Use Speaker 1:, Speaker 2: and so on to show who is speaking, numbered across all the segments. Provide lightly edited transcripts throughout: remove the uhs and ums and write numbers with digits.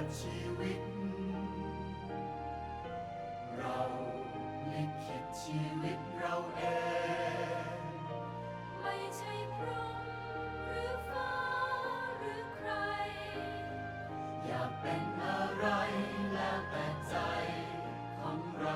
Speaker 1: ชีวิตเราลิขิตชีวิตเราเองไม่ใช่พรหมหรือฟ้าหรือใครอยากเป็นอะไรแล้วแต่ใจของเรา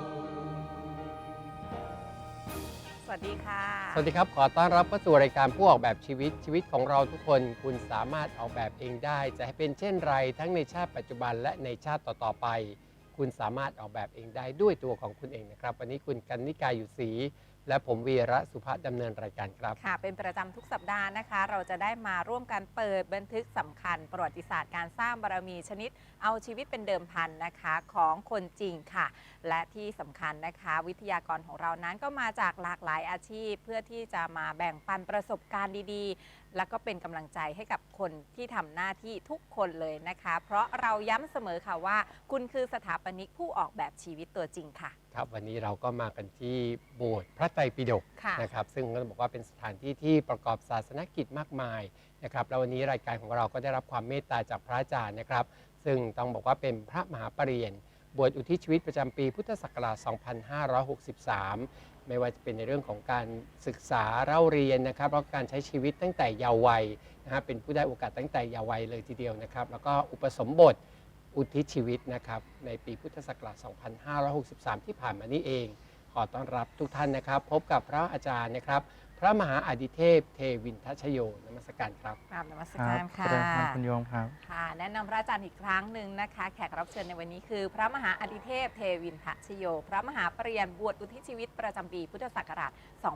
Speaker 2: สวัสดีค่ะ
Speaker 3: สวัสดีครับขอต้อนรับเข้าสู่รายการผู้ออกแบบชีวิตของเราทุกคนคุณสามารถออกแบบเองได้จะให้เป็นเช่นไรทั้งในชาติปัจจุบันและในชาติต่อๆไปคุณสามารถออกแบบเองได้ด้วยตัวของคุณเองนะครับวันนี้คุณกันนิกาอยู่ศรีและผมวีระสุภาพดำเนินรายการครับ
Speaker 2: ค่ะเป็นประจำทุกสัปดาห์นะคะเราจะได้มาร่วมกันเปิดบันทึกสำคัญประวัติศาสตร์การสร้างบารมีชนิดเอาชีวิตเป็นเดิมพันนะคะของคนจริงค่ะและที่สำคัญนะคะวิทยากรของเรานั้นก็มาจากหลากหลายอาชีพเพื่อที่จะมาแบ่งปันประสบการณ์ดีๆ แล้วก็เป็นกำลังใจให้กับคนที่ทำหน้าที่ทุกคนเลยนะคะเพราะเราย้ำเสมอค่ะว่าคุณคือสถาปนิกผู้ออกแบบชีวิตตัวจริงค่ะ
Speaker 3: ครับวันนี้เราก็มากันที่โบสถ์พระไตรปิฎก
Speaker 2: ค่ะ
Speaker 3: นะครับซึ่งก็บอกว่าเป็นสถานที่ที่ประกอบศาสนกิจมากมายนะครับแล้ววันนี้รายการของเราก็ได้รับความเมตตาจากพระอาจารย์นะครับซึ่งต้องบอกว่าเป็นพระมหาปรริญญาบวชอุทิศชีวิตประจำปีพุทธศักราช 2563 ไม่ว่าจะเป็นในเรื่องของการศึกษาเล่าเรียนนะครับแล้วก็การใช้ชีวิตตั้งแต่เยาว์วัยนะครับเป็นผู้ได้โอกาสตั้งแต่เยาว์วัยเลยทีเดียวนะครับแล้วก็อุปสมบทอุทิศชีวิตนะครับในปีพุทธศักราช 2563 ที่ผ่านมานี้เองขอต้อนรับทุกท่านนะครับพบกับพระอาจารย์นะครับพระมหาอดิเทพเทวินทัชโยนมัสการครับ
Speaker 2: กราบนมัสการค่ะ
Speaker 4: ครับคุณโยมครับ
Speaker 2: ค่ะแนะนำพระอาจารย์อีกครั้งหนึ่งนะคะแขกรับเชิญในวันนี้คือพระมหาอดิเทพเทวินทชโยพระมหาปรริญญาบวชอุทิศชีวิตประจำปีพุทธศักราช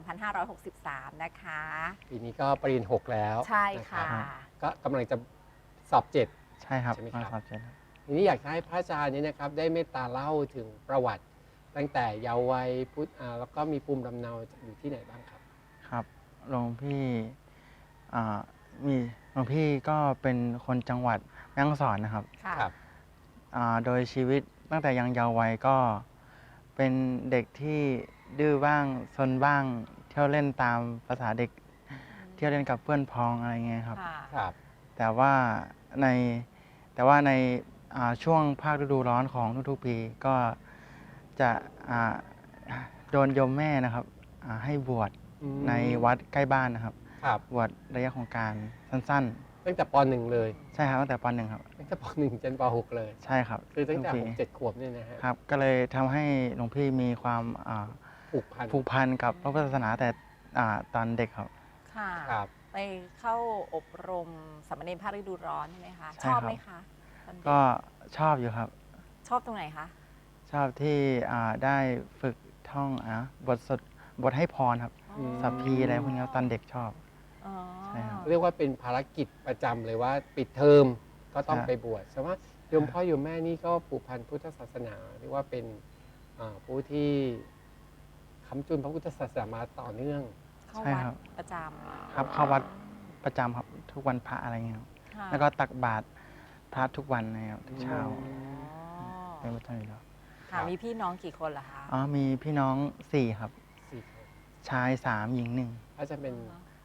Speaker 2: 2563 นะคะ
Speaker 3: ปีนี้ก็ปริญญา6แล้ว
Speaker 2: ใช่ค่ะ
Speaker 3: นรับก็กำลังจะสอบ 7
Speaker 4: ใช่ครับ
Speaker 3: ใช่ไหมครับ
Speaker 4: มาสอบเจ็ดครับ
Speaker 3: ทีนี้อยากให้พระอาจารย์นี้นะครับได้เมตตาเล่าถึงประวัติ ตั้งแต่เยาว์วัยพุทธแล้วก็มีภูมิลำเนาอยู่ที่ไหนบ้างครับ
Speaker 4: ครับหลวงพี่มีหลวงพี่ก็เป็นคนจังหวัดแม่ฮ่องสอนนะครับ
Speaker 2: ค่ะ
Speaker 3: ครับ
Speaker 4: โดยชีวิตตั้งแต่ยังเยาว์วัยก็เป็นเด็กที่ดื้อบ้างซนบ้าง เที่ยวเล่นตามภาษาเด็ก เที่ยวเล่นกับเพื่อนพ้องอะไรเงี้ยครับ
Speaker 2: ค่ะ
Speaker 3: ครับ
Speaker 4: แต่ว่าในช่วงภาคฤดูร้อนของทุกๆปีก็จะโดนโยมแม่นะครับให้บวช
Speaker 3: อืม
Speaker 4: ในวัดใกล้บ้านนะครับ
Speaker 3: ครับ
Speaker 4: บวชระยะของการสั้น
Speaker 3: ตั้งแต่ป .1 เลย
Speaker 4: ๆ ใช่ครับตั้งแต่ป .1 ครับ
Speaker 3: ตั้งแต่ป .1 จนป .6 เลย
Speaker 4: ใช่ครับ
Speaker 3: คือตั้งแต่
Speaker 4: ทุก
Speaker 3: ผม
Speaker 4: ปี
Speaker 3: 7 ขวบเนี่ยนะฮะ
Speaker 4: ครับก็เลยทำให้หลวงพี่มีความ
Speaker 3: ผูกพัน
Speaker 4: ผูกพันกับพระพุทธศาสนาแต่ตอนเด็กครับ
Speaker 2: ค่ะ
Speaker 3: ครับ
Speaker 2: ไปเข้าอบรมสามเณรภาคฤดูร้อนใช่ไหมคะ
Speaker 4: ใช่
Speaker 2: ชอบ
Speaker 4: ครับ
Speaker 2: ไหมคะตอนเด็
Speaker 4: ก็ชอบอยู่ครับ
Speaker 2: ชอบตรงไหนคะ
Speaker 4: ชอบที่ได้ฝึกท่องบทให้พรครับ
Speaker 2: อ๋อ
Speaker 4: สัพพีอะไรพวกนี้ตอนเด็กชอบ
Speaker 2: อ๋อ
Speaker 4: ใช่ครับ
Speaker 3: เรียกว่าเป็นภารกิจประจำเลยว่าปิดเทอมก็ต้อง
Speaker 4: ใช่
Speaker 3: ไปบวชแต่ว่าโยมพ่อโยมแม่นี่ก็ผูกพันพุทธศาสนาเรียกว่าเป็นผู้ที่ค้ำจุนพระพุทธศาสนามาต่อเนื่อง
Speaker 2: เข้า
Speaker 4: ใช่
Speaker 2: วัด
Speaker 4: ครับ
Speaker 2: ประจำ
Speaker 4: ครับเข้าวัดประจำครับทุกวันพระอะไรเงี้ยครับ
Speaker 2: ค่ะ
Speaker 4: แล้วก็ตักบาตรพระทุกวันนะครับทุกเช้า
Speaker 2: อ๋อ
Speaker 4: เป็นประจำอยู่แล้ว
Speaker 2: ค่ะมีพี่น้องกี่คนล่ะคะ
Speaker 4: มีพี่น้อง4ครับ
Speaker 3: 4 คน
Speaker 4: ชาย3หญิง
Speaker 3: ก็จะเป็น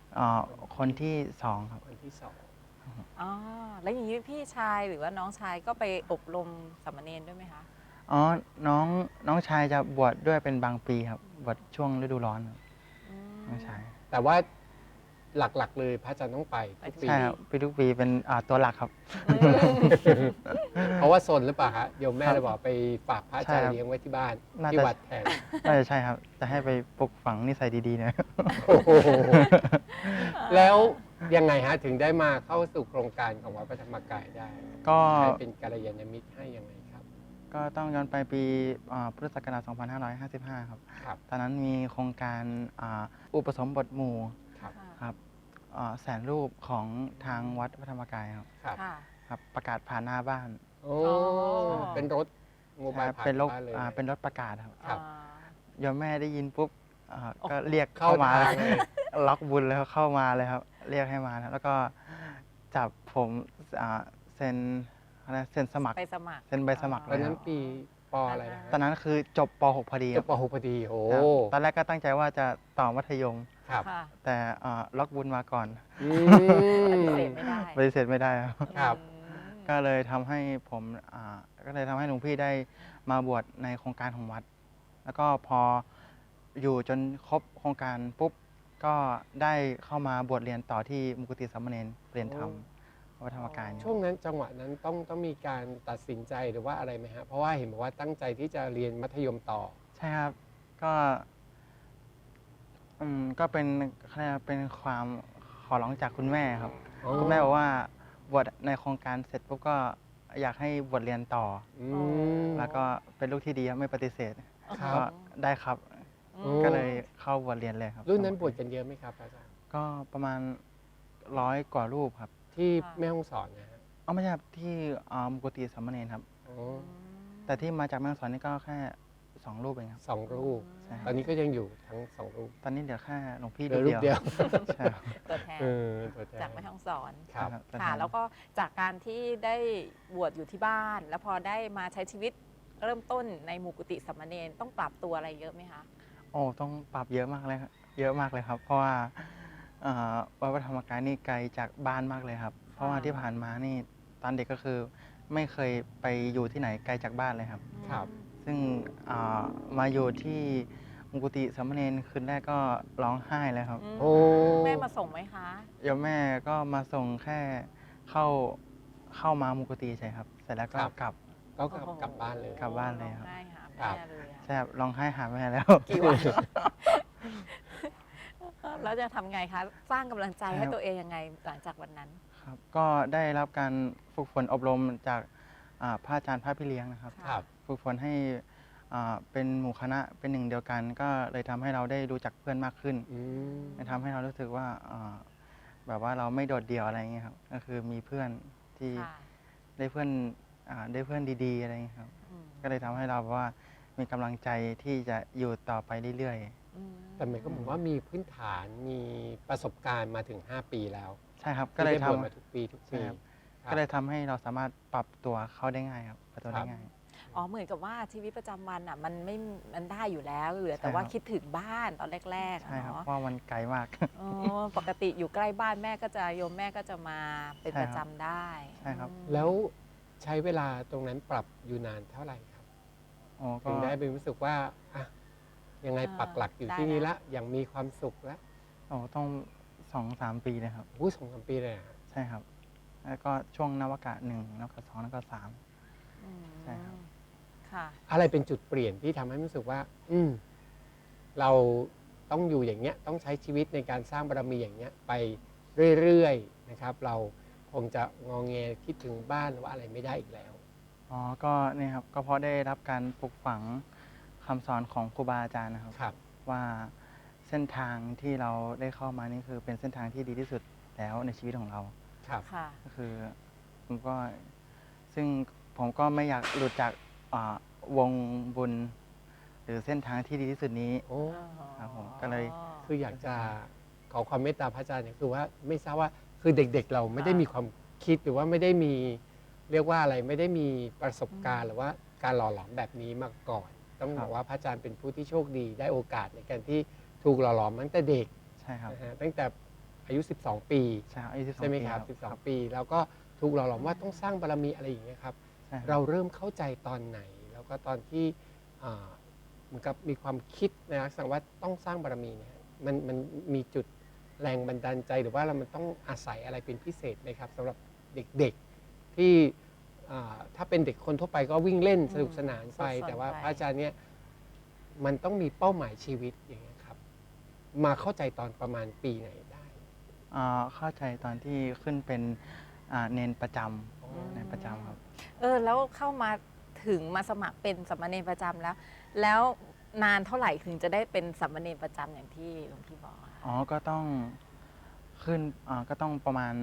Speaker 4: 1คนที่2ครับ
Speaker 3: คนที่สอง
Speaker 2: อ๋อแล้วอย่างนี้พี่ชายหรือว่าน้องชายก็ไปอบรมสามเณรด้วยไหมคะ
Speaker 4: น้องชายจะบวชด้วยเป็นบางปีครับบวชช่วงฤดูร้อนครับ
Speaker 2: อืม
Speaker 4: น้องชาย
Speaker 3: แต่ว่าหลักๆเลยพระอาจารย์ต้องไปทุกปี
Speaker 4: ใช่ครับปีทุกปีเป็นตัวหลักครับ
Speaker 3: เพราะว่าซนหรือเปล่าฮะโยมแม่
Speaker 4: ครับ
Speaker 3: เลยบอกไปฝากพระอาจารย์
Speaker 4: ใช่ครับ
Speaker 3: เลี้ยงไว้ที่บ้าน
Speaker 4: น่า
Speaker 3: ที่
Speaker 4: จะ
Speaker 3: วัดแทน
Speaker 4: น่าจะใช่ครับ จะให้ไปปลูกฝังนิสัยดีๆนะ
Speaker 3: โอ้โหแล้วยังไงฮะถึงได้มาเข้าสู่โครงการของวัดพระธรรมกายได้
Speaker 4: ก็
Speaker 3: ใครเป็นกัลยาณมิตรให้ยังไงครับ
Speaker 4: ก็ต้องย้อนไปปีพุทธศักราช 2555 ครับ
Speaker 3: ครับ
Speaker 4: ตอนนั้นมีโครงการอุปสมบทหมู่
Speaker 3: ครับ
Speaker 4: ครับแสนรูปของทางวัดพระธรรมกายครับ
Speaker 3: ครับ
Speaker 2: ค่ะ
Speaker 4: ครับ ประกาศผ่านหน้าบ้าน
Speaker 3: โอ้
Speaker 2: อ๋อ
Speaker 3: เป็นรถโมบายผ่าน
Speaker 4: เป็นรถ
Speaker 3: บ้านเลย
Speaker 4: เป็นรถประกาศครับ
Speaker 3: ครับ
Speaker 4: โยมแม่ได้ยินปุ๊บก็
Speaker 2: โอ้โห
Speaker 4: เรียก
Speaker 3: เข้า
Speaker 4: เข้ามา
Speaker 3: ทางเลย
Speaker 4: ล็อกบุญแล้วเข้ามาเลยครับ เรียกให้มานะแล้วก็จับผมเซ็นสมัคร
Speaker 2: ไปสมัคร
Speaker 4: เซ็นใบสมัคร
Speaker 3: ตอนนั้นปีปอะไรนะ
Speaker 4: ตอนนั้นคือจบป .6 พอดี
Speaker 3: จบป .6 พอดีโอ้
Speaker 4: ครับตอนแรกก็ตั้งใจว่าจะต่อมัธยม
Speaker 3: ครับ
Speaker 2: ค่ะ
Speaker 4: แต่ล็อกบุญมาก่อน
Speaker 3: อื
Speaker 2: ปฏิ
Speaker 3: ม
Speaker 2: เสธไม่ได้
Speaker 4: ปฏิเสธไม่ได้ครับ
Speaker 3: ครับ
Speaker 2: อืม
Speaker 4: ก็เลยทำให้ผมก็เลยทำให้หลวงพี่ได้มาบวชในโครงการของวัด แล้วก็พออยู่จนครบโครงการปุ๊บก็ได้เข้ามาบวชเรียนต่อที่มุกุติสามเณรเรียนธรรมวัดธรรมกายเนี่ย
Speaker 3: ช่วงนั้นจังหวะนั้นต้องมีการตัดสินใจหรือว่าอะไรไหมฮะเพราะว่าเห็นบอกว่าตั้งใจที่จะเรียนมัธยมต่อ
Speaker 4: ใช่ครับ ก็ก็เป็นเขาเรียกว่าเป็นความขอร้องจากคุณแม่ครับ
Speaker 3: อ๋อ
Speaker 4: คุณแม่บอกว่าบวชในโครงการเสร็จปุ๊บก็อยากให้บวชเรียนต่อ
Speaker 3: อืม
Speaker 4: แล้วก็เป็นลูกที่ดีครับไม่ปฏิเสธ
Speaker 3: ครับ
Speaker 4: ก็ได้ครับ
Speaker 2: อืม
Speaker 4: ก็เลยเข้าบวชเรียนเลยครับ
Speaker 3: รุ่นนั้นบวชกันเยอะไหมครับอาจารย์
Speaker 4: ก็ประมาณ100 กว่ารูปครับ
Speaker 3: ที่แม่ฮ่องสอนนะฮะ
Speaker 4: ไม่ใช่ครับที่มุกุติสามเณรครับ
Speaker 3: อ๋อ
Speaker 4: แต่ที่มาจากแม่ฮ่องสอนนี่ก็แค่2 รูปเองครับ
Speaker 3: สองรูป
Speaker 4: ใช่ค
Speaker 3: ต
Speaker 4: รั
Speaker 3: อบ นนี้ก็ยังอยู่ทั้งสองรูป
Speaker 4: ตอนนี้เดี๋ยวแค่หลวงพี่
Speaker 3: เหลือรูปเดียว
Speaker 4: ใช่ครับ
Speaker 2: ตัวแทน
Speaker 3: เออตัวแทน
Speaker 2: จากแม่ฮ่องสอน
Speaker 3: ครับ
Speaker 4: ตัว
Speaker 2: ค่ะ
Speaker 4: ทน
Speaker 2: แล้วก็จากการที่ได้บวชอยู่ที่บ้าน แล้วพอได้มาใช้ชีวิตเริ่มต้นในหมู่กุฏิสามเณรต้องปรับตัวอะไรเยอะไหมคะ
Speaker 4: โอ้ต้องปรับเยอะมากเลยครับเยอะมากเลยครับ เพราะว่าวัดพระธรรมกายนี่ไกลจากบ้านมากเลยครับ เพราะว่าที่ผ่านมานี่ตอนเด็กก็คือไม่เคยไปอยู่ที่ไหนไกลจากบ้านเลยครับ
Speaker 3: ครับ
Speaker 4: ซึ่งมาอยู่ที่มุกุติสามเณรคืนแรกก็ร้องไห้เลยครับ
Speaker 3: โอ้
Speaker 2: แม่มาส่งไหมคะ
Speaker 4: โยมแม่ก็มาส่งแค่เข้ามามุกุติใช่ครับ เสร็จแล้วก็กลับ
Speaker 3: ก็กลับบ้านเลย
Speaker 4: กลับบ้านเลยครับ
Speaker 2: ร้องไห้หา
Speaker 3: ครั
Speaker 2: แม่
Speaker 3: บ
Speaker 2: เลยอะ
Speaker 4: ใช่ครับร้องไห้หาแม่แล้ว
Speaker 2: กี่วัน แล้วจะทำไงคะ สร้างกำลังใจให้
Speaker 4: ครับ
Speaker 2: ตัวเองยังไงหลังจากวันนั้น
Speaker 4: ครับก็ได้รับการฝึกฝนอบรมจากพระอาจารย์พระพี่เลี้ยงนะครับ
Speaker 3: ครับ
Speaker 4: ฝึกฝนให้เป็นหมู่คณะเป็นหนึ่งเดียวกัน ก็เลยทำให้เราได้รู้จักเพื่อนมากขึ้น
Speaker 3: อืม
Speaker 4: ทำให้เรารู้สึกว่าแบบว่าเราไม่โดดเดี่ยวอะไรอย่างเงี้ยครับก็คือมีเพื่อนที่
Speaker 2: ค่ะ
Speaker 4: ได้เพื่อนดีๆอะไรอย่างเงี้ยครับ
Speaker 2: อืม
Speaker 4: ก็เลยทำให้เราแบบว่ามีกำลังใจที่จะอยู่ต่อไปเรื่อย
Speaker 2: อืม
Speaker 3: แต่หมายก็บอกว่ามีพื้นฐานมีประสบการณ์มาถึง 5 ปีแล้ว
Speaker 4: ๆ ใช่ครับก็เลย
Speaker 3: ที่ได้
Speaker 4: ทำ
Speaker 3: บวชมาทุกปีทุก
Speaker 4: ใช่
Speaker 3: ปี
Speaker 4: ครับ
Speaker 3: ครับ
Speaker 4: ก็เลยทำให้เราสามารถปรับตัวเข้าได้ง่ายครับปรับตัวได้ง่าย
Speaker 2: อ๋อเหมือนกับว่าชีวิตประจำวันอ่ะมันได้อยู่แล้วเหลือแต่
Speaker 4: ใช่
Speaker 2: ว่า
Speaker 4: ครับ
Speaker 2: คิดถึงบ้านตอนแรกๆอะ
Speaker 4: ใช่ครับ
Speaker 2: เนาะ
Speaker 4: เพราะมันไกลมาก
Speaker 2: อ๋อปกติอยู่ใกล้บ้านแม่ก็จะโยมแม่ก็จะมาเป็น
Speaker 4: ใช่
Speaker 2: ป
Speaker 4: ครับ
Speaker 2: ระจำได้
Speaker 4: ใช่ครับ
Speaker 2: อืม
Speaker 3: แล้วใช้เวลาตรงนั้นปรับอยู่นานเท่าไหร่ครับ
Speaker 4: อ๋อก็
Speaker 3: ถึงได้เป็นรู้สึกว่าอ่ะยังไงปักหลักอยู่ที่นี่ละอย่างมีความสุขแล้ว
Speaker 4: ต้อง2-3 ปีเลยครับ
Speaker 3: อู้2-3 ปีเลยอะฮะ
Speaker 4: ใช่ครับ แล้วก็ช่วงนวากะ1นวากะ2นวากะ3
Speaker 2: อืม
Speaker 4: ใช่ครับ
Speaker 2: ค่ะ
Speaker 3: อะไรเป็นจุดเปลี่ยนที่ทำให้รู้สึกว่า เราต้องอยู่อย่างเงี้ยต้องใช้ชีวิตในการสร้างบารมีอย่างเงี้ยไปเรื่อยๆนะครับ เราคงจะงอแงคิดถึงบ้านหรือว่าอะไรไม่ได้อีกแล้ว
Speaker 4: อ๋อ ก็เนี่ยครับ ก็เพราะได้รับการปลูกฝังคำสอนของครูบาอาจารย์นะครับ
Speaker 3: ครับ
Speaker 4: ว่าเส้นทางที่เราได้เข้ามานี่คือเป็นเส้นทางที่ดีที่สุดแล้วในชีวิตของเรา
Speaker 3: ครับ
Speaker 2: ค่ะ
Speaker 4: ก็คือผมก็ซึ่งผมก็ไม่อยากหลุดจากวงบุญ หรือเส้นทางที่ดีที่สุดนี้
Speaker 3: โอ้
Speaker 4: ครับผมก็เลย
Speaker 3: คืออยากจะขอความเมตตาพระอาจารย์เนี่ยคือว่าไม่ทราบว่าคือเด็กๆ เราไม่ได้มีความคิดหรือว่าไม่ได้มีเรียกว่าอะไรไม่ได้มีประสบการณ์หรือว่าการหล่อหลอมแบบนี้มาก่อน ต้องบอกว่าพระอาจารย์เป็นผู้ที่โชคดีได้โอกาสในการที่ถูกหล่อหลอมตั้งแต่เด็ก
Speaker 4: ใช่ครับ
Speaker 3: นะฮะตั้งแต่อายุ 12 ปี
Speaker 4: ใช่ครับอายุ12
Speaker 3: ใช่ไหม
Speaker 4: ปี
Speaker 3: ครับ 12 ปี แล้วก็ถูกหล่อหลอมว่าต้องสร้างบารมีอะไรอย่างเงี้ยครับ
Speaker 4: ใช่ครับ
Speaker 3: เราเริ่มเข้าใจตอนไหน แล้วก็ตอนที่เหมือนกับมีความคิดในลักษณะว่าต้องสร้างบารมีเนี่ยมันมีจุดแรงบันดาลใจหรือว่ามันต้องอาศัยอะไรเป็นพิเศษไหมครับสำหรับเด็กๆที่ถ้าเป็นเด็กคนทั่วไปก็วิ่งเล่นสนุกสนานไป
Speaker 2: สดๆ
Speaker 3: แต่ว่า
Speaker 2: ไป
Speaker 3: พระอาจารย์เนี่ยมันต้องมีเป้าหมายชีวิตอย่างเงี้ยครับ มาเข้าใจตอนประมาณปีไหนได้
Speaker 4: เข้าใจตอนที่ขึ้นเป็นเนนประจำเนนประจำครับ
Speaker 2: แล้วเข้ามาถึงมาสมัครเป็นสามเณรประจำแล้ว แล้วนานเท่าไหร่ถึงจะได้เป็นสามเณรประจำอย่างที่หลวงพี่บอกอะคะ
Speaker 4: อ๋อ ก็ต้องขึ้นก็ต้องประมาณ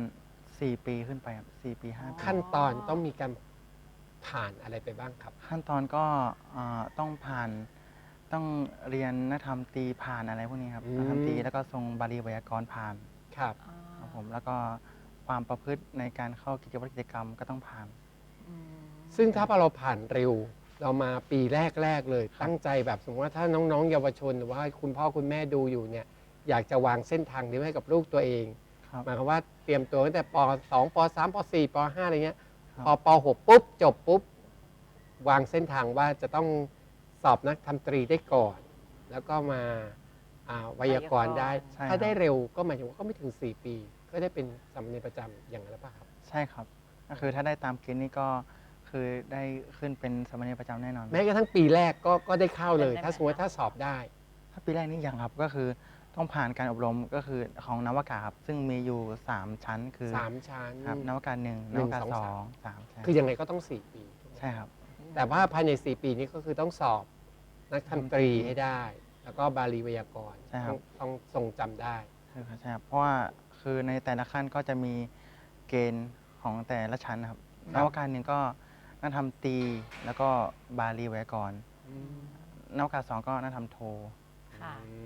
Speaker 4: 4 ปีขึ้นไปครับ4 ปี 5 ปี
Speaker 3: ขั้นตอนต้องมีการผ่านอะไรไปบ้างครับ
Speaker 4: ขั้นตอนก็ต้องต้องเรียนนักธรรมตรีผ่านอะไรพวกนี้ครับ
Speaker 3: อืม
Speaker 4: นักธรรมตรีแล้วก็ทรงบาลีไวยากรณ์ผ่าน
Speaker 3: ครับ
Speaker 2: อ๋อ
Speaker 4: ครับผม แล้วก็ความประพฤติในการเข้ากิจวัตรกิจกรรมก็ต้องผ่าน
Speaker 2: อืม
Speaker 3: ซึ่งถ้าเราผ่านเร็ว เรามาปีแรกเลย ตั้งใจแบบสมมติว่าถ้าน้องๆ เยาวชนหรือว่าคุณพ่อคุณแม่ดูอยู่เนี่ยอยากจะวางเส้นทางนี้ให้กับลูกตัวเอง
Speaker 4: ครับ
Speaker 3: หมายความว่าเตรียมตัวตั้งแต่ป .2 ป .3 ป .4 ป .5 อะไรเงี้ย
Speaker 4: ครับ
Speaker 3: พอป .6 ปุ๊บจบปุ๊บวางเส้นทางว่าจะต้องสอบนักทำตรีได้ก่อน แล้วก็มาไวยากรณ์ได้
Speaker 4: ใช่ครับ
Speaker 3: ถ้าได้เร็วก็หมายถึงว่าก็ไม่ถึง 4 ปี ก็ได้เป็นสามเณรประจำอย่างนั้นหรือเปล่าครับ
Speaker 4: ใช่ครับ ก็คือถ้าได้ตามเกณฑ์นี้ก็คือได้ขึ้นเป็นสามเณรประจำแน่นอน
Speaker 3: แม้กระทั่งปีแรกก็ได้เข้าเลย
Speaker 2: เป็นได้ไหม
Speaker 3: ถ้าสมมติว่าถ้าสอบได้
Speaker 4: ถ้าปีแรกนี่ยังครับก็คือต้องผ่านการอบรมก็คือของนวากาครับ ซึ่งมีอยู่ 3 ชั้นคือ
Speaker 3: 3 ชั้น
Speaker 4: ครับนวากา1
Speaker 3: ห
Speaker 4: น
Speaker 3: นึ่ง
Speaker 4: วากา
Speaker 3: สอง
Speaker 4: 2
Speaker 3: สาม
Speaker 4: 3ใช่
Speaker 3: คือยังไงก็ต้อง 4 ปีถูกไหม
Speaker 4: ใช่ครับ
Speaker 3: แต่ว่าภายใน 4 ปีนี้ก็คือต้องสอบนักทำตรีให้ได้ แล้วก็บาลีไวยากรณ์
Speaker 4: ใช่ครับ
Speaker 3: ต้องทรงจำได้
Speaker 4: ใช่ครับใช่ครับเพราะว่าคือในแต่ละขั้นก็จะมีเกณฑ์ของแต่ละชั้นนะครับ
Speaker 3: คน รับ
Speaker 4: วากา1ก็นักทำตรีแล้วก็บาลีไวยากรณ์นวากา2ก็นักทำโท
Speaker 2: ค่ะ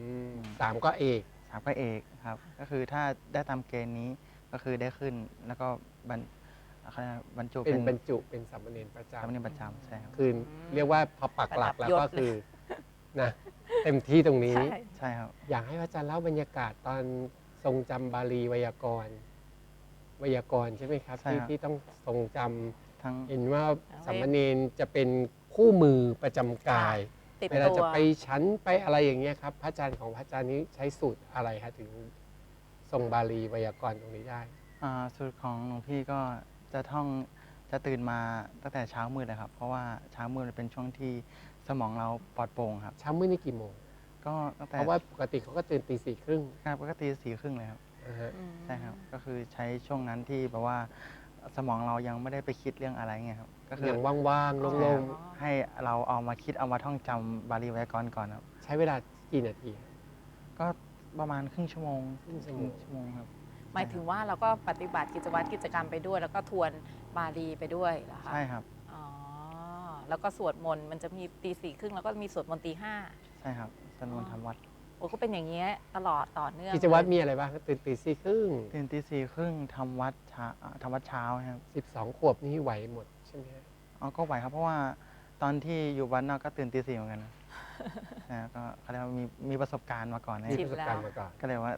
Speaker 3: 3 ก็เอก
Speaker 4: 3ก็เอกครับ ก็คือถ้าได้ตามเกณฑ์นี้ก็คือได้ขึ้นแล้วก็เขาเรียกว่าบรรจุ
Speaker 3: เป็
Speaker 4: เป็น น
Speaker 3: บรรจุเป็นสามเณรประ
Speaker 4: สามเณร
Speaker 3: จำ
Speaker 4: ประจำใช่ครับ
Speaker 3: คือเรียกว่าพอปักหลักแล้ว
Speaker 2: ประดับยศ
Speaker 3: ก็คือนะเต็มที่ตรงนี้
Speaker 2: ใช่
Speaker 4: ใช่ครับ
Speaker 3: อยากให้พระอาจารย์เล่าบรรยากาศตอนทรงจำบาลีไวยากรณ์ใช่ไหมครับ
Speaker 4: ใช่ครับ
Speaker 3: ที่ต้องทรงจำ
Speaker 4: ทั้ง
Speaker 3: เห็นว่าสามเณรจะเป็นคู่มือประจำกาย
Speaker 2: ติด
Speaker 3: เวลา
Speaker 2: ตั
Speaker 3: จะ
Speaker 2: ว
Speaker 3: ไปชั้นไปอะไรอย่างเงี้ยครับ พระอาจารย์ของพระอาจารย์นี้ใช้สูตรอะไรฮะถึงทรงบาลีไวยากรณ์ตรงนี้ได้
Speaker 4: สูตรของหลวงพี่ก็จะตื่นมาตั้งแต่เช้ามืดเลยครับ เพราะว่าเช้ามืดเป็นช่วงที่สมองเราปลอดโปร่งครับ
Speaker 3: เช้ามืดนี่กี่โมง
Speaker 4: ก็ตั้งแต่
Speaker 3: เพราะว่าปกติเขาก็ตื่นตี 4:30
Speaker 4: ครับปกติ4:30เลยครับ
Speaker 3: นะฮะ
Speaker 4: ใช่ครับ ก็คือใช้ช่วงนั้นที่แบบว่าสมองเรายังไม่ได้ไปคิดเรื่องอะไรเงี้ยครับ ก็คือ
Speaker 3: อย่างว่างๆ
Speaker 2: อ๋อ
Speaker 3: โล่ง
Speaker 4: ให้เราเอามาคิดเอามาท่องจำบาลีไวยากรณ์ก่อนครับ
Speaker 3: ๆ ใช้เวลากี่นาทีฮะ
Speaker 4: ก็ประมาณครึ่งชั่วโมง
Speaker 3: ครึ่งชั่วโมง
Speaker 4: ชั่วโมงครับ
Speaker 2: หมายถึงว่าเราก็ปฏิบัติกิจวัตรกิจกรรมไปด้วย แล้วก็ทวนบาลีไปด้วยเหรอคะ
Speaker 4: ใช่ครับ
Speaker 2: อ๋อแล้วก็สวดมนต์มันจะมีตี 4:30แล้วก็มีสวดมนต์ตี 5
Speaker 4: ใช่ครับสนวนทำวัด
Speaker 2: โอ้ก็เป็นอย่างเงี้ยตลอดต่อเนื่อง
Speaker 3: กิจวัตร
Speaker 2: เลย
Speaker 3: มีอะไรบ้างครับตื่นตี 4:30
Speaker 4: ตื่นตี4:30ทำวัดเช้าครับ
Speaker 3: 12 ขวบนี่ไหวหมดใช่ไหมฮะ
Speaker 4: ก็ไหวครับ เพราะว่าตอนที่อยู่วัดนอกก็ตื่นตี 4เหมือนกันนะ ก็เขาเรียกว่ามีประสบการณ์มาก่อนนะ
Speaker 3: มี
Speaker 2: ชิ
Speaker 3: ป
Speaker 2: น
Speaker 3: ระสบการณ์มาก่อน
Speaker 4: ก็เลยว่า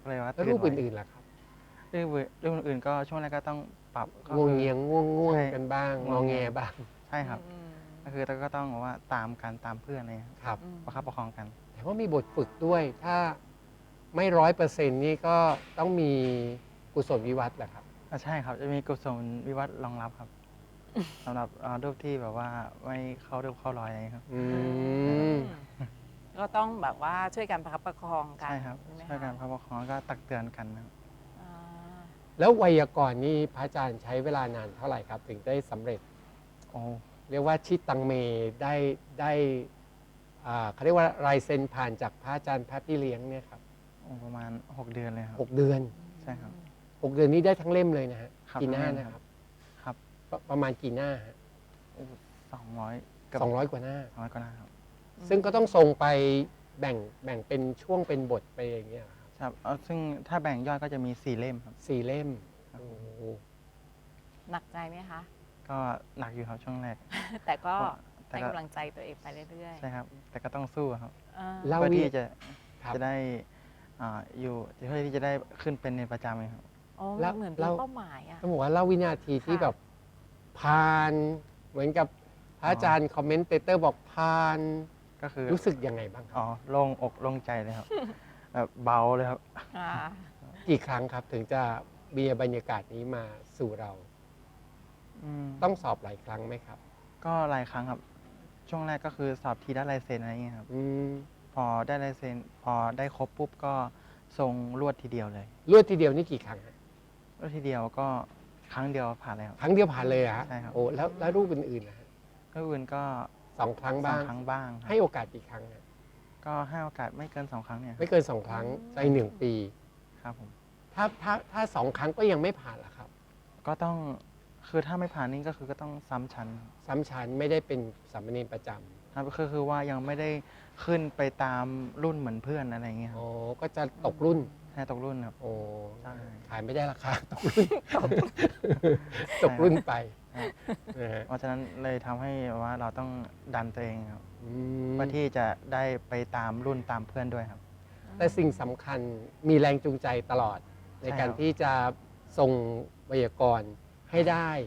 Speaker 3: แล้วรูป
Speaker 4: ไ
Speaker 3: อื่นๆล่ะครับ
Speaker 4: เรื่องอื่นๆก็ช่วงแรกก็ต้องปรับก็
Speaker 3: ง่วง
Speaker 4: คือ
Speaker 3: เงียงง่วง
Speaker 4: ใช่
Speaker 3: กันบ้าง
Speaker 4: ง่
Speaker 3: ง
Speaker 4: ว
Speaker 3: อง
Speaker 4: ง
Speaker 3: แง
Speaker 4: เงีย
Speaker 3: บ้าง
Speaker 4: ใช่ครับ
Speaker 2: อืม
Speaker 4: ก็คือเราก็ต้องบอกว่าตามกันตามเพื่อนอะไรเลยครับ
Speaker 3: ครับ
Speaker 2: อืม
Speaker 4: ประคับประคองกัน
Speaker 3: แต่ว่ามีบทฝึกด้วย ถ้าไม่ 100%นี่ก็ต้องมีกุศลวิวัฒน์แหละครับ
Speaker 4: ใช่ครับ จะมีกุศลวิวัฒน์รองรับครับสำหรับรูปที่แบบว่าไม่เข้ารูปเข้ารอยอะไรอย่างเงี้ยครับ
Speaker 3: อืม
Speaker 2: ก็ต้องแบบว่าช่วยกันประคับประคองกัน
Speaker 4: ใช่ครับ
Speaker 2: ใช่ไหม
Speaker 4: ช่วยกัน
Speaker 2: คะ
Speaker 4: ประคับประคองแล้วก็ตักเตือนกันนะครับ
Speaker 2: อ่า
Speaker 3: แล้วไวยากรณ์นี่พระอาจารย์ใช้เวลานานเท่าไหร่ครับ ถึงได้สำเร็จ
Speaker 4: โอ้
Speaker 3: เรียกว่าชิดตังเมได้เขาเรียกว่าลายเซ็นผ่านจากพระอาจารย์พระพี่เลี้ยงเนี่ยครับ
Speaker 4: ประมาณ 6 เดือนเลยครับ
Speaker 3: 6 เดือน
Speaker 4: ใช่ครับ
Speaker 3: 6 เดือนนี้ได้ทั้งเล่มเลยนะฮะ
Speaker 4: ครับ
Speaker 3: กี่หน้า
Speaker 4: ทั้งเล่ม
Speaker 3: นะครับ
Speaker 4: ครับ
Speaker 3: ประมาณกี่หน้าฮะ
Speaker 4: 200เกือบ
Speaker 3: 200 กว่าหน้า
Speaker 4: 200กว่าหน้าครับ
Speaker 3: ซึ่งก็ต้องทรงไปแบ่งเป็นช่วงเป็นบทไปอย่างเงี้ยครับ
Speaker 4: ครับซึ่งถ้าแบ่งยอดก็จะมี 4 เล่มครับ
Speaker 3: 4 เล่ม
Speaker 4: ครับ
Speaker 3: โอ้โห
Speaker 2: หนักใจไหมคะ
Speaker 4: ก็หนักอยู่ครับช่วงแรก
Speaker 2: แต่ก็
Speaker 4: แต่
Speaker 2: ให้
Speaker 4: ก็
Speaker 2: กำลังใจตัวเองไปเรื่อย
Speaker 4: ใช่ครับ แต่ก็ต้องสู้ครับ
Speaker 2: ๆอ่า
Speaker 3: เล่า
Speaker 4: เพื่อ
Speaker 3: วิ
Speaker 4: ที่จะ
Speaker 3: ครับ
Speaker 4: จะได้อยู่เพื่อที่จะได้ขึ้นเป็นในประจำเองครับ
Speaker 2: โอ้
Speaker 3: แล้ว
Speaker 2: เหมือน
Speaker 3: แล้
Speaker 2: มี
Speaker 3: ว
Speaker 2: เป้าหมายอ่ะ
Speaker 3: ต้องบอกว่าเล่าวินาทีที่
Speaker 2: ค่ะ
Speaker 3: แบบผ่านเหมือนกับพระอาจารย์คอมเมนเตเตอร์บอกผ่าน
Speaker 4: ก็คือ
Speaker 3: รู้สึกยังไงบ้างครับ
Speaker 4: โล่งอกโล่งใจเลยครับ แบบเบาเลยครับ
Speaker 2: อ่า
Speaker 3: กี่ครั้งครับถึงจะมีบรรยากาศนี้มาสู่เรา ต้องสอบหลายครั้งไหมครับ
Speaker 4: ก็หลายครั้งครับ ช่วงแรกก็คือสอบทีได้ลายเซ็นอะไรอย่างเงี้ยครับ
Speaker 3: อืม
Speaker 4: พอได้ลายเซ็นพอได้ครบปุ๊บก็ส่งรวดทีเดียวเลย
Speaker 3: รวดทีเดียวนี่กี่ครั้งฮะ
Speaker 4: รวดทีเดียวก็ครั้งเดียวผ่านเลยครับ
Speaker 3: ครั้งเดียวผ่านเลยเหรอฮะ
Speaker 4: ใช่ครับ
Speaker 3: โอ้แล้วรูปอื่นๆนะฮะ
Speaker 4: ก็อื่นก็
Speaker 3: 2 ครั้ง
Speaker 4: สอ
Speaker 3: บ้าง ง
Speaker 4: ครั้งบ้างครับ
Speaker 3: ให้โอกาสกี่ครั้งฮะ
Speaker 4: ก็ให้โอกาสไม่เกิน 2 ครั้งเนี่ย
Speaker 3: ไม่เกิน 2 ครั้งใน1 ปี
Speaker 4: ครับผม
Speaker 3: ถ้า 2 ครั้งก็ยังไม่ผ่านล่ะครับ
Speaker 4: ก็ต้องคือถ้าไม่ผ่านนี่ก็คือก็ต้องซ้ำชั้น
Speaker 3: ซ้ำชั้นไม่ได้เป็นสามเณรประจ
Speaker 4: ครับก็คือว่ายังไม่ได้ขึ้นไปตามรุ่นเหมือนเพื่อนอะไรอย่างเงี้ย
Speaker 3: ำ
Speaker 4: ครั
Speaker 3: โอ้
Speaker 4: บ
Speaker 3: ก็จะตกรุ่น
Speaker 4: ให้ตกรุ่นครับ
Speaker 3: โอ้
Speaker 4: ใช่
Speaker 3: ขายไม่ได้ราคา ตกรุ่น ตกรุ่นไป
Speaker 4: ครับ
Speaker 3: นะฮะ
Speaker 4: เพราะฉะนั้นเลยทำให้ว่าเราต้องดันตัวเองครับ
Speaker 3: อืม
Speaker 4: เพื่อที่จะได้ไปตามรุ่นตามเพื่อนด้วยครับ
Speaker 3: แต่สิ่งสำคัญมีแรงจูงใจตลอด ใน
Speaker 4: ใช่
Speaker 3: การ
Speaker 4: ครับ
Speaker 3: ที่จะส่งไวยากรณ์ให้ได้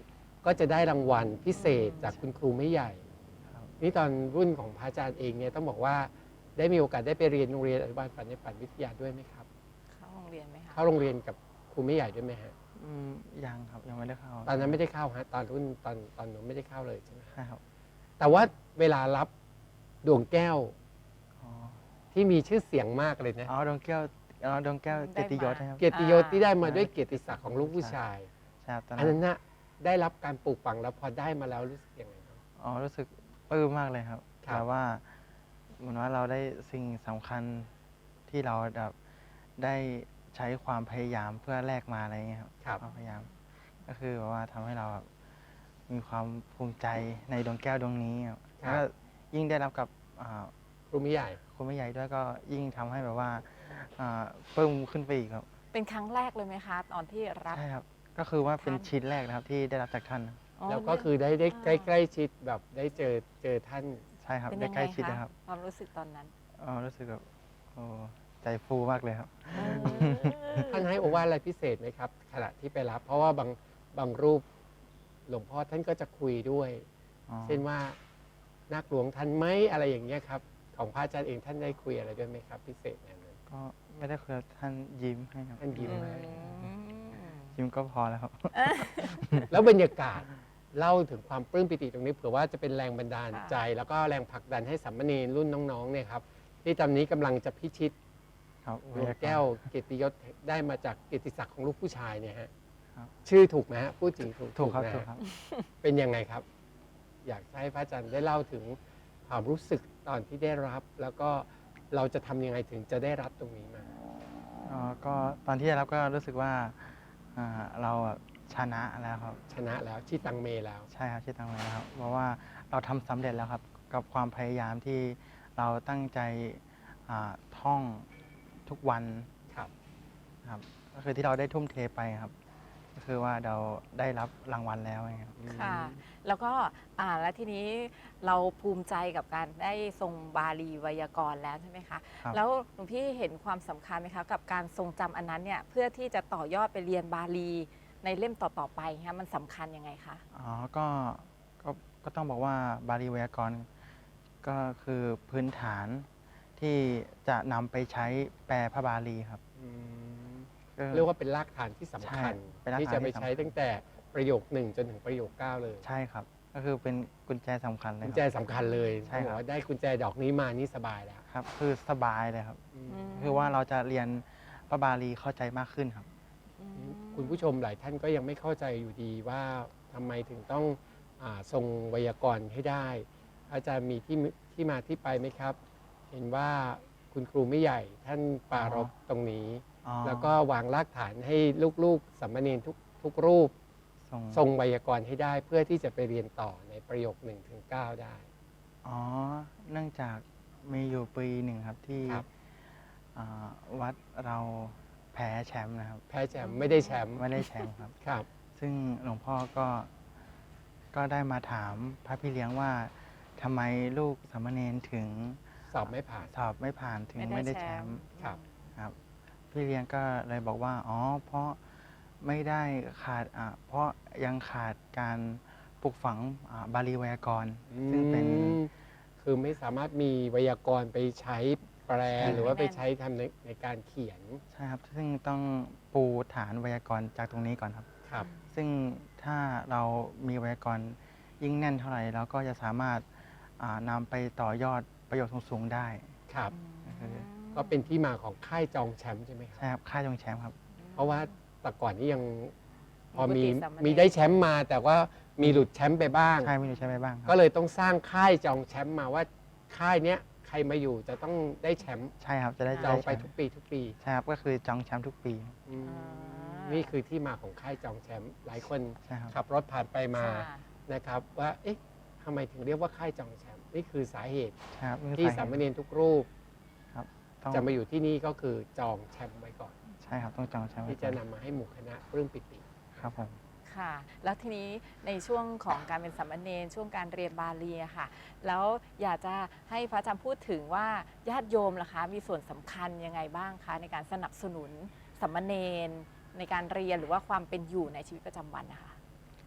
Speaker 3: ก็จะได้รางวัลพิเศษจากคุณครูไม่ใหญ่
Speaker 4: ครับ
Speaker 3: นี่ตอนรุ่นของพระอาจารย์เองเนี่ยต้องบอกว่าได้มีโอกาสได้ไปเรียนโรงเรียนอนุบาลปันในปันวิทยาด้วยไหมครับ
Speaker 2: เข้าโรงเรียนไหมคะ
Speaker 3: เข้าโรงเรียนกับครูไม่ใหญ่ด้วยไหมฮะ
Speaker 4: ยังครับยังไม่ได้เข้า
Speaker 3: ตอนนั้นไม่ได้เข้าฮะตอนรุ่นตอนหนูไม่ได้เข้าเลยใช่ไหม
Speaker 4: ใช่ครับ
Speaker 3: แต่ว่าเวลารับดวงแก้ว
Speaker 4: อ๋อ
Speaker 3: ที่มีชื่อเสียงมากเลยนะ
Speaker 4: อ๋อดวงแก้วดวงแก้วเกียรติยศนะครับ
Speaker 3: เกียรติยศที่ได้มาด้วยเกียรติศักดิ์ของลูกผู้ชาย
Speaker 4: ใช่ครับตอน
Speaker 3: อัน
Speaker 4: นั้
Speaker 3: นั้น นน่ะได้รับการปลูกฝังแล้วพอได้มาแล้วรู้สึกยังไงบ้าง
Speaker 4: อ๋อรู้สึกปลื้มมากเลยครับ
Speaker 3: ครับ
Speaker 4: แต่ว่าเหมือนว่าเราได้สิ่งสำคัญที่เราแบบได้ใช้ความพยายามเพื่อแลกมาอะไรอย่างเงี้ยครับ
Speaker 3: ครับ
Speaker 4: ความพยายาม ก็คือแบบว่าทำให้เราแบบมีความภูมิใจในดวงแก้วดวงนี้ครับแล้วก็ยิ่งได้รับกับ
Speaker 3: ครูไม่ใหญ่
Speaker 4: คุณแม่ใหญ่ด้วยก็ยิ่งทำให้แบบว่าปลื้มขึ้นไปอีกครับ
Speaker 2: เป็นครั้งแรกเลยไหมคะ ตอนที่รับ
Speaker 4: ใช่ครับ ก็คือว่าเป็น
Speaker 2: ท่าน
Speaker 4: ชิ้นแรกนะครับที่ได้รับจากท่าน
Speaker 3: แล้วก็คือได้ใกล้ชิดแบบได้เจอท่าน
Speaker 4: ใช่ครับ
Speaker 2: เป็น
Speaker 4: ได้
Speaker 2: ยัง
Speaker 4: ใก
Speaker 2: ไง
Speaker 4: ล้ชิด
Speaker 2: คะ
Speaker 4: นะครับ
Speaker 2: ความรู้สึกตอนนั้น
Speaker 4: รู้สึกแบบโอ้ใจฟูมากเลยครับ
Speaker 3: ท่านให้โอวาทอะไรพิเศษไหมครับขณะที่ไปรับ เพราะว่าบางรูปหลวงพ่อท่านก็จะคุยด้วย
Speaker 4: อ๋อ
Speaker 3: เช่นว่านักหลวงท่านไหมอะไรอย่างเงี้ยครับของพระอาจารย์เองท่านได้คุยอะไรด้วยไหมครับ พิเศษอย่างนั้น
Speaker 4: ก็ไม่ได้คุยกับท่านยิ้มให้ครับ
Speaker 3: ท่านยิ้ม ให้
Speaker 4: ยิ้มก็พอแล้วครับ
Speaker 3: แล้วบรรยากาศเล่าถึงความปลื้มปิติตรงนี้เผื่อว่าจะเป็นแรงบันดาลใจ แล้วก็แรงผลักดันให้สามเณรรุ่นน้องๆเนี่ยครับที่ตอนนี้กำลังจะพิชิต
Speaker 4: ครับ
Speaker 3: ดวงแก้วเกียรติยศได้มาจากเกียรติศักดิ์ของลูกผู้ชายเนี่ยฮะ
Speaker 4: ครับ
Speaker 3: ชื่อถูกไหมฮะพูดจริงถูก
Speaker 4: ถูกครับ
Speaker 3: นะ
Speaker 4: ถูก
Speaker 3: ฮะ
Speaker 4: ครับ
Speaker 3: เป็นยังไงครับ อยากให้พระอาจารย์ได้เล่าถึงความรู้สึกตอนที่ได้รับ แล้วก็เราจะทำยังไงถึงจะได้รับตรงนี้มา
Speaker 4: ก็ตอนที่ได้รับก็รู้สึกว่าเราชนะแล้วครับ
Speaker 3: ชนะแล้วชีตังเมแล้ว
Speaker 4: ใช่ครับที่ตั้งไว้แล้วครับ เพราะว่าเราทำสำเร็จแล้วครับ กับความพยายามที่เราตั้งใจท่องทุกวัน
Speaker 3: ครับ
Speaker 4: ครับ ก็คือที่เราได้ทุ่มเทไปครับ ก็คือว่าเราได้รับรางวัลแล้วไงครับ
Speaker 2: ค่ะ แล้วก็แล้วทีนี้เราภูมิใจกับการได้ทรงบาลีไวยากรณ์แล้วใช่ไหมคะ
Speaker 4: ครับ
Speaker 2: แล้วหลวงพี่เห็นความสำคัญไหมคะกับการทรงจำอันนั้นเนี่ยเพื่อที่จะต่อยอดไปเรียนบาลีในเล่มต่อๆไปคะมันสำคัญยังไงคะ
Speaker 4: อ๋อก็ต้องบอกว่าบาลีไวยากรณ์ก็คือพื้นฐานที่จะนำไปใช้แปลพระบาลีครับ
Speaker 3: อืม
Speaker 4: ก็
Speaker 3: เรียกว่าเป็นรากฐานที่สำคัญ
Speaker 4: ใช่เป็นรากฐาน
Speaker 3: ที่จะไป
Speaker 4: ที่สำคัญ
Speaker 3: ใช้ตั้งแต่ประโยค 1 จนถึงประโยค 9 เลย
Speaker 4: ใช่ครับ ก็คือเป็นกุญแจสำคัญเลย
Speaker 3: กุญ
Speaker 4: ค
Speaker 3: แจ
Speaker 4: รับ
Speaker 3: สำคัญเลย
Speaker 4: ใช่ครับ
Speaker 3: เขาบอกว่าได้กุญแจดอกนี้มานี่สบายแล้ว
Speaker 4: ครับ คือสบายเลยครับ
Speaker 3: อืม
Speaker 2: อืม
Speaker 4: คือว่าเราจะเรียนพระบาลีเข้าใจมากขึ้นครับ
Speaker 2: อืม
Speaker 3: คุณผู้ชมหลายท่านก็ยังไม่เข้าใจอยู่ดีว่าทำไมถึงต้องทรงไวยากรณ์ให้ได้ อาจารย์มีที่มาที่ไปไหมครับ เห็นว่าคุณครูไม่ใหญ่ท่านปรารภตรงนี้
Speaker 4: อ๋อ
Speaker 3: แล้วก็วางรากฐานให้ลูกๆสามเณรทุกรูป ทรงไวยากรณ์ให้ได้เพื่อที่จะไปเรียนต่อในประโยค 1 ถึง 9 ได้
Speaker 4: อ๋อ เนื่องจากมีอยู่ปีหนึ่งครับที่
Speaker 3: ครับ
Speaker 4: วัดเราแพ้แชมป์นะครับ
Speaker 3: แพ้แชมป์ไม่ได้แชมป์
Speaker 4: ไม่ได้แชมป์ครับ
Speaker 3: ครับ
Speaker 4: ซึ่งหลวงพ่อก็ได้มาถามพระพี่เลี้ยงว่าทำไมลูกสามเณรถึง
Speaker 3: สอบไม่ผ่าน
Speaker 4: สอบไม่ผ่านถึงไม่ได้แชมป์
Speaker 3: ครับ
Speaker 4: ครับ พี่เลี้ยงก็เลยบอกว่าอ๋อเพราะไม่ได้ขาดเพราะยังขาดการปลูกฝังบาลีไวยากรณ์ซึ่งเป็น
Speaker 3: อืมคือไม่สามารถมีไวยากรณ์ไปใช้แปล
Speaker 4: ใช่
Speaker 3: หรือว่าไปใช้ทำในการเขียน
Speaker 4: ใช่ครับ ซึ่งต้องปูฐานไวยากรณ์จากตรงนี้ก่อนครับ
Speaker 3: ครับ
Speaker 4: ซึ่งถ้าเรามีไวยากรณ์ยิ่งแน่นเท่าไหร่เราก็จะสามารถนำไปต่อยอดประโยชน์สูงๆได้
Speaker 3: ครับ
Speaker 2: อืม
Speaker 3: ก็เป็นที่มาของค่ายจองแชมป์ใช่ไหมครับ
Speaker 4: ใช่ครับค่ายจงแชมป์ครับ
Speaker 3: เพราะว่าแต่ก่อนนี้ยังพอมี
Speaker 2: ปกติสามเณร
Speaker 3: มีได้แชมป์มา แต่ว่ามีหลุดแชมป์ไปบ้าง
Speaker 4: ใช่ไม่รู้ใช่ไหมบ้างค
Speaker 3: ก็
Speaker 4: รับ
Speaker 3: เลยต้องสร้างค่ายจองแชมป์มาว่าค่ายเนี้ยใครมาอยู่จะต้องได้แชมป์
Speaker 4: ใช่ครับจะได้
Speaker 3: จองไป
Speaker 4: แชมป์
Speaker 3: ทุกปีทุกปี
Speaker 4: ใช่ครับก็คือจองแชมป์ทุกปี
Speaker 3: อืม
Speaker 2: อ่า
Speaker 3: นี่คือที่มาของค่ายจองแชมป์หลายคน
Speaker 4: ใช่ครับ
Speaker 3: ขับรถผ่านไปมา
Speaker 2: ค่ะ
Speaker 3: นะครับ ว่าเอ๊ะทำไมถึงเรียกว่าค่ายจองแชมป์นี่คือสาเหตุ
Speaker 4: ใช่ครับ
Speaker 3: ที่
Speaker 4: คือ
Speaker 3: สามเณรทุกรูป
Speaker 4: ต้อง
Speaker 3: จะมาอยู่ที่นี่ก็คือจองแชมป์ไว้ก่อน
Speaker 4: ใช่ครับต้องจองแชมป์ไว้
Speaker 3: ที่
Speaker 4: ก่
Speaker 3: จะ
Speaker 4: อน
Speaker 3: นำมาให้หมู่คณะปลื้มปิติ
Speaker 4: ครับผม
Speaker 2: ค่ะ แล้วทีนี้ในช่วงของการเป็นสามเณรช่วงการเรียนบาลีอะค่ะ แล้วอยากจะให้พระอาจารย์พูดถึงว่าญาติโยมล่ะคะมีส่วนสำคัญยังไงบ้างคะในการสนับสนุนสามเณรในการเรียนหรือว่าความเป็นอยู่ในชีวิตประจำวันนะคะ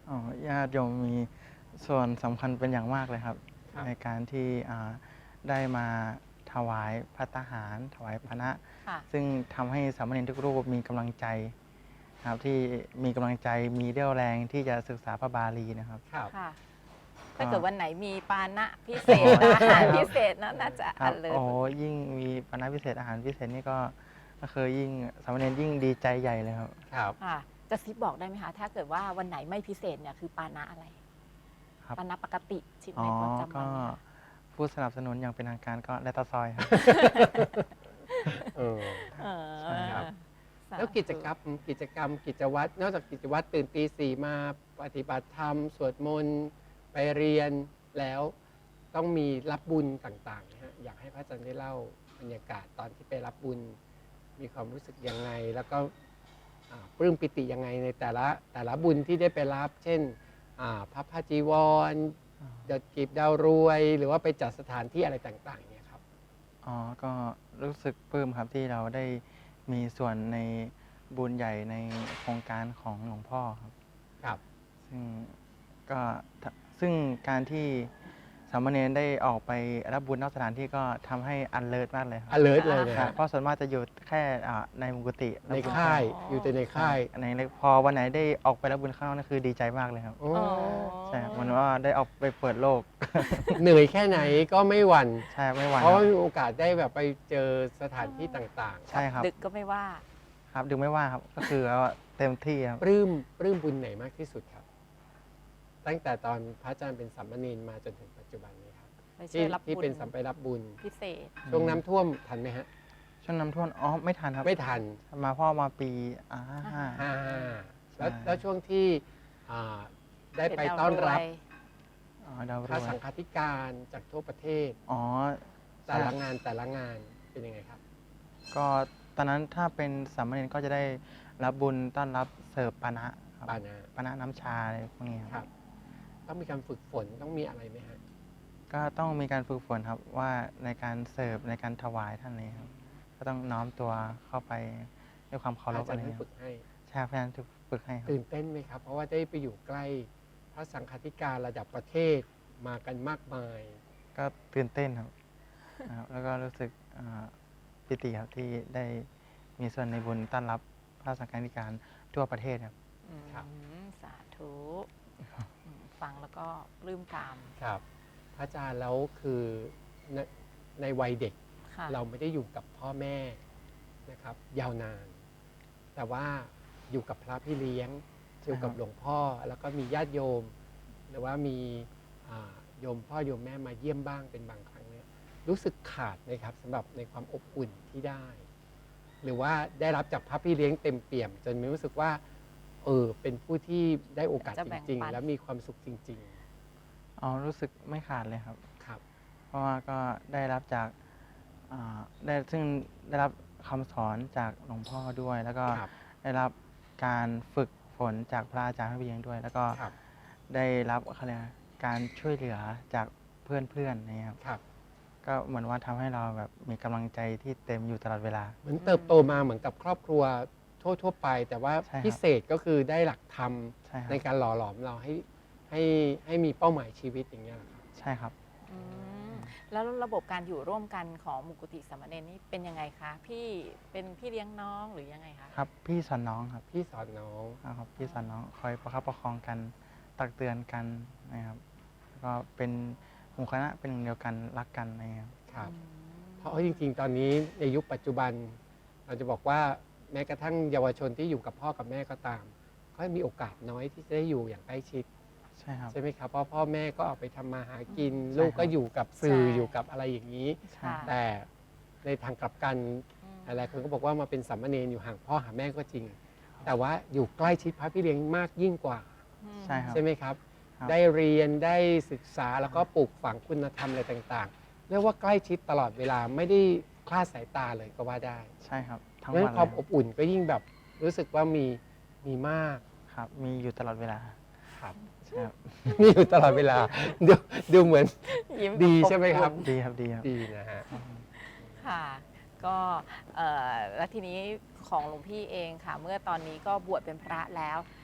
Speaker 4: อ๋อญาติโยมมีส่วนสำคัญเป็นอย่างมากเลยครับ
Speaker 3: ครับ
Speaker 4: ในการที่ได้มาถวายภัตตาหาร ถวายพระ
Speaker 2: ค่ะ
Speaker 4: ซึ่งทำให้สามเณรทุกรูปมีกำลังใจนะครับที่มีกำลังใจมีเรี่ยวแรงที่จะศึกษาพระบาลีนะครับ
Speaker 3: ครับ
Speaker 2: ค่ะ
Speaker 4: ก็
Speaker 2: ถ้าเกิดวันไหนมีปานะพิเศษอาหารพิเศษน่าจะ
Speaker 4: ครั
Speaker 2: อั
Speaker 4: บ
Speaker 2: นเลย
Speaker 4: โอ้ยิ่งมีปานะพิเศษอาหารพิเศษนี่ก็คือยิ่งสามเณรยิ่งดีใจใหญ่เลยครับ
Speaker 3: ครับ
Speaker 2: ค่ะ จะซิปบอกได้ไหมคะ ถ้าเกิดว่าวันไหนไม่พิเศษเนี่ยคือปานะอะไร
Speaker 4: ครับ
Speaker 2: ปานะปกติชิม
Speaker 4: อ๋
Speaker 2: ใน
Speaker 4: อ
Speaker 2: ประจำวั
Speaker 4: ก็
Speaker 2: นเนี่ย
Speaker 4: ผู้สนับสนุนอย่างเป็นทางการก็แลตตาซอยครับ
Speaker 3: เออ
Speaker 2: เออ
Speaker 3: ใช่ครับ
Speaker 2: สาธุ
Speaker 3: แล้วกิจกรรมกิจวัตรนอกจากกิจวัตรตื่นตีสี่มาปฏิบัติธรรม สวดมนต์ไปเรียนแล้วต้องมีรับบุญต่างๆนะฮะอยากให้พระอาจารย์ได้เล่าบรรยากาศตอนที่ไปรับบุญ มีความรู้สึกยังไง แล้วก็ปลื้มปิติยังไงในแต่ละบุญที่ได้ไปรับ เช่นพระพาจีวรดอกกีบดาวรวย หรือว่าไปจัดสถานที่อะไรต่างๆเนี่ยครับ
Speaker 4: อ๋อ ก็รู้สึกปลื้มครับที่เราได้มีส่วนในบุญใหญ่ในโครงการของหลวงพ่อครับ
Speaker 3: ครับ
Speaker 4: ก็ซึ่งการที่สามเณรได้ออกไปรับบุญนอกสถานที่ก็ทำให้อันเลิศมากเลยครับ
Speaker 3: alert เลยนะ
Speaker 4: ครั
Speaker 3: ฮะ
Speaker 4: บเพราะส่วนมากจะอยู่แค่ในมุกุติ
Speaker 3: ในค่ายอยู่แต่ในค่าย
Speaker 4: ในเล็กพอวันไหนได้ออกไปรับบุญข้างนอกนั่นคือดีใจมากเลยครับ
Speaker 3: โอ้
Speaker 2: อ๋อ
Speaker 4: ใช่ครับมันว่าได้ออกไปเปิดโลก
Speaker 3: เหนื่อยแค่ไหนก็ไม่หวั่น
Speaker 4: ใช่ไม่หวั่น
Speaker 3: เพราะว่ามีโอกาสได้แบบไปเจอสถานที่ต่าง
Speaker 4: ใช่ครับ
Speaker 2: ดึกก็ไม่ว่า
Speaker 4: ครับดึงไม่ว่าครับก็คือว่าเต็มที่ครับ
Speaker 3: ๆ ปลื้มบุญไหนมากที่สุดครับ ตั้งแต่ตอนพระอาจารย์เป็นสามเณรมาจนถึงปัจจุบันนี้ครับ
Speaker 2: ไปช่วยรับ
Speaker 3: ที่
Speaker 2: บุญ
Speaker 3: เป็นสัมไปรับบุญ
Speaker 2: พิเศษ
Speaker 3: ช่วงน้ำท่วมทันไหมฮะ
Speaker 4: ช่วงน้ำท่วมไม่ทันครับ
Speaker 3: ไม่ทัน
Speaker 4: มาพ่อมาปีห้า
Speaker 3: แล้วช่วงที่อ่าได้ไปต้อนรับ
Speaker 4: ดาวร
Speaker 3: พระ
Speaker 4: วย
Speaker 3: สังฆาธิการจากทั่วประเทศ
Speaker 4: อ๋อ
Speaker 3: แต่ละงานเป็นยังไงครับ
Speaker 4: ก็ตอนนั้นถ้าเป็นสามเณรก็จะได้รับบุญต้อนรับเสิร์ฟปานะครับ
Speaker 3: ปานะ
Speaker 4: ปานะน้ำชาอะไรพวกนี้
Speaker 3: ค
Speaker 4: ค
Speaker 3: รั
Speaker 4: รับ บ
Speaker 3: ต้องมีการฝึกฝนต้องมีอะไรไหมฮะ
Speaker 4: ก็ต้องมีการฝึกฝนครับว่าในการเสิร์ฟในการถวายท่านนี้ครับก็ต้องน้อมตัวเข้าไปด้วยความเคารพ
Speaker 3: อาจา
Speaker 4: อะ
Speaker 3: ร
Speaker 4: ไร
Speaker 3: ย์ให้
Speaker 4: เงี้ย
Speaker 3: ฝึกให้
Speaker 4: ใช่พยายามจะฝึกให้ครับ
Speaker 3: ตื่นเต้นไหมครับ เพราะว่าได้ไปอยู่ใกล้พระสังฆาธิการระดับประเทศมากันมากมาย
Speaker 4: ก็ตื่นเต้นครับนะครับ แล้วก็รู้สึกปิติครับที่ได้มีส่วนในบุญต้อนรับพระสังฆาธิการทั่วประเทศครับ
Speaker 3: ครับ
Speaker 2: สาธุฟังแล้วก็ปลื้มตาม
Speaker 3: ครับ พระอาจารย์แล้วคือในวัยเด็ก
Speaker 2: ค่ะ
Speaker 3: เราไม่ได้อยู่กับพ่อแม่นะครับ ยาวนาน แต่ว่าอยู่กับพระพี่เลี้ยงอยู่กับหลวงพ่อแล้วก็มีญาติโยม หรือว่ามีโยมพ่อโยมแม่มาเยี่ยมบ้างเป็นบางครั้งเนี่ยรู้สึกขาดไหมครับสำหรับในความอบอุ่นที่ได้ หรือว่าได้รับจากพระพี่เลี้ยงเต็มเปี่ยม จนมีรู้สึกว่าเป็นผู้ที่ได้โอกาส
Speaker 2: จะ
Speaker 3: จ
Speaker 2: แบ่ง
Speaker 3: ริง
Speaker 2: ปัน
Speaker 3: ๆ แล้วมีความสุขจริง
Speaker 4: อ๋อรู้สึกไม่ขาดเลยครับ
Speaker 3: ๆ ครับ
Speaker 4: เพราะว่าก็ได้รับจากซึ่งได้รับคำสอนจากหลวงพ่อด้วย แล้วก็
Speaker 3: ครับ
Speaker 4: ได้รับการฝึกฝนจากพระอาจารย์พระเบียงด้วย แล้วก็
Speaker 3: ครับ
Speaker 4: ได้รับอะไรนะการช่วยเหลือจากเพื่อนๆนะครับ
Speaker 3: ครับ
Speaker 4: ก็เหมือนว่าทำให้เราแบบมีกำลังใจที่เต็มอยู่ตลอดเวลา
Speaker 3: เหมือนเติบโตมาเหมือนกับครอบครัวทั่วๆไป แต่ว่า
Speaker 4: ใช่ครับ
Speaker 3: พิเศษก็คือได้หลักธรรม
Speaker 4: ใช่ครับ
Speaker 3: ในการหล่อหลอมเราให้มีเป้าหมายชีวิตอย่างเงี้ยเหรอครับ
Speaker 4: ใช่ครับ
Speaker 2: แล้วระบบการอยู่ร่วมกันของมุกุติสามเณรนี่เป็นยังไงคะ พี่เป็นพี่เลี้ยงน้องหรือยังไงคะ
Speaker 4: ครับพี่สอนน้องครับ
Speaker 3: พี่สอนน้อง
Speaker 4: ครับพี่สอนน้องคอยประคับประคองกันตักเตือนกันนะครับแล้วก็เป็นหมู่คณะเป็นหนึ่งเดียวกันรักกันนะครับ
Speaker 3: ครับ เพราะจริงๆ ตอนนี้ในยุคปัจจุบัน เราจะบอกว่าแม้กระทั่งเยาวชนที่อยู่กับพ่อกับแม่ก็ตามก็มีโอกาสน้อยที่จะได้อยู่อย่างใกล้ชิด
Speaker 4: ใช่ครับ
Speaker 3: ใช่ไหมครับ เพราะพ่อแม่ก็ออกไปทำมาหากิน
Speaker 4: ใช่
Speaker 3: ลูกก็
Speaker 4: ครับ
Speaker 3: อยู่กับสื่อ
Speaker 2: ใช่
Speaker 3: อยู่กับอะไรอย่างนี้
Speaker 4: ใช่
Speaker 2: ค่ะ
Speaker 3: แต่ในทางกลับกันหลายคนก็บอกว่ามาเป็นสามเณรอยู่ห่างพ่อหาแม่ก็จริง แต่ว่าอยู่ใกล้ชิดพระพี่เลี้ยงมากยิ่งกว่า
Speaker 4: ใช่ครับ
Speaker 3: ใช่ไหมครับ
Speaker 4: ครับ
Speaker 3: ได้เรียนได้ศึกษาแล้วก็ปลูกฝังคุณธรรมอะไรต่างๆเรียกว่าใกล้ชิดตลอดเวลาไม่ได้คลาดสายตาเลยก็ว่าได้
Speaker 4: ใช่ครับทั้ง
Speaker 3: เพราะฉะ
Speaker 4: วั
Speaker 3: นั้น นความ
Speaker 4: เลย
Speaker 3: อบอุ่นก็ยิ่งแบบรู้สึกว่ามีมาก
Speaker 4: ครับมีอยู่ตลอดเวลา
Speaker 3: ครับ
Speaker 4: ใช่ครับ
Speaker 3: มีอยู่ตลอดเวลาดูเหมือน
Speaker 2: ยิ้ม
Speaker 3: ดี
Speaker 2: แบบ
Speaker 3: ใช่ไหมครับ
Speaker 4: ดีครับดีครับ
Speaker 3: ดีนะฮะ
Speaker 2: ค่ะ ก็แล้วทีนี้ของหลวงพี่เองค่ะ เมื่อตอนนี้ก็บวชเป็นพระแล้ว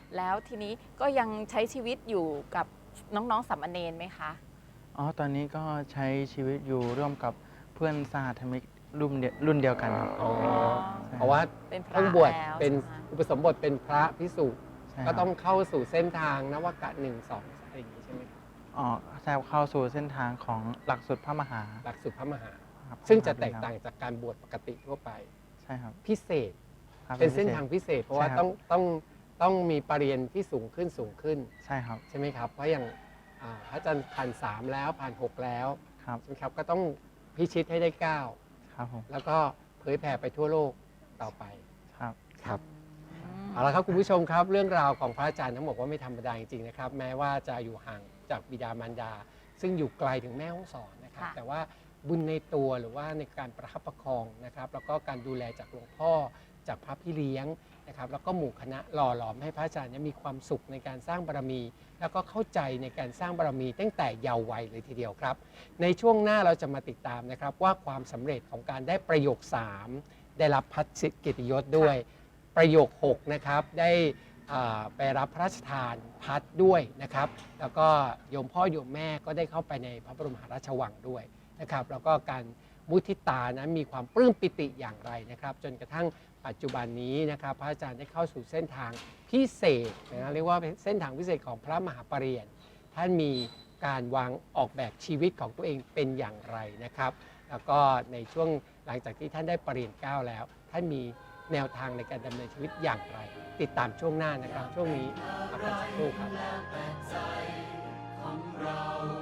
Speaker 2: แล้วทีนี้ก็ยังใช้ชีวิตอยู่กับน้องๆสามเณรไหมคะ
Speaker 4: อ๋อ ตอนนี้ก็ใช้ชีวิตอยู่ร่วมกับเพื่อนสหธรรมิกรุ่นเดียวกันครับ
Speaker 3: อ๋อเพราะว่า
Speaker 2: เป็นพระ
Speaker 3: เพิ่งบวช
Speaker 2: แล้ว
Speaker 3: เป็น
Speaker 2: ใช่ไหม
Speaker 3: อุปสมบทเป็นพระภิกษุ
Speaker 4: ใช่ครับ
Speaker 3: ก็ต้องเข้าสู่เส้นทางนวกะ1 2อะไรอย่างนี้ใช่ไหมครับ
Speaker 4: อ๋อใช่เข้าสู่เส้นทางของหลักสูตรพระมหา
Speaker 3: หลักสูตรพระมหา
Speaker 4: ครับ
Speaker 3: ซึ่งจะแตกต่างจากการบวชปกติทั่วไป
Speaker 4: ใช่ครับ
Speaker 3: พิเศษ
Speaker 4: ครับ
Speaker 3: เป็นเส้นทางพิเศษ เพราะว่า
Speaker 4: ใช่ครับ
Speaker 3: ต้องมีปรริญญาที่สูงขึ้น
Speaker 4: ใช่ครับ
Speaker 3: ใช่ไหมครับ เพราะอย่างพระอาจารย์ผ่าน3แล้วผ่าน6แล้ว
Speaker 4: ครับ
Speaker 3: ใช่ไหมครับก็ต้องพิชิตให้ได้
Speaker 4: ครับผม
Speaker 3: 9 แล้วก็เผยแผ่ไปทั่วโลกต่อไป
Speaker 4: ครับ
Speaker 3: ครับ
Speaker 2: อืม
Speaker 3: เอาละครับคุณผู้ชมครับเรื่องราวของพระอาจารย์ทั้งหมดว่าไม่ธรรมดาจริงๆนะครับแม้ว่าจะอยู่ห่างจากบิดามารดา ซึ่งอยู่ไกลถึงแม่ฮ่องสอนนะครับ
Speaker 2: ค่ะ
Speaker 3: แต่ว่าบุญในตัวหรือว่าในการประคับประคองนะครับแล้วก็การดูแลจากหลวงพ่อจากพระพี่เลี้ยงนะครับแล้วก็หมู่คณะหล่อหลอมให้พระอาจารย์เนี่ยมีความสุขในการสร้างบารมี แล้วก็เข้าใจในการสร้างบารมีตั้งแต่เยาว์วัยเลยทีเดียวครับ ในช่วงหน้าเราจะมาติดตามนะครับว่าความสำเร็จของการได้ประโยค 3 ได้รับพัดเกียรติยศด้วย ประโยค 6 นะครับ ได้ไปรับพระราชทานพัดด้วยนะครับ แล้วก็โยมพ่อโยมแม่ก็ได้เข้าไปในพระบรมมหาราชวังด้วยนะครับ แล้วก็การมุทิตานั้นมีความปลื้มปิติอย่างไรนะครับ จนกระทั่งปัจจุบันนี้นะครับ พระอาจารย์ได้เข้าสู่เส้นทางพิเศษนะเรียกว่าเป็นเส้นทางพิเศษของพระมหาปริญญาท่านมีการวางออกแบบชีวิตของตัวเองเป็นอย่างไรนะครับ แล้วก็ในช่วงหลังจากที่ท่านได้ปริญญา9แล้ว ท่านมีแนวทางในการดำเนินชีวิตอย่างไร ติดตามช่วงหน้านะครับ ช่วงนี้พักกันสักครู่ครับ
Speaker 1: แล้วแต่ใจของเรา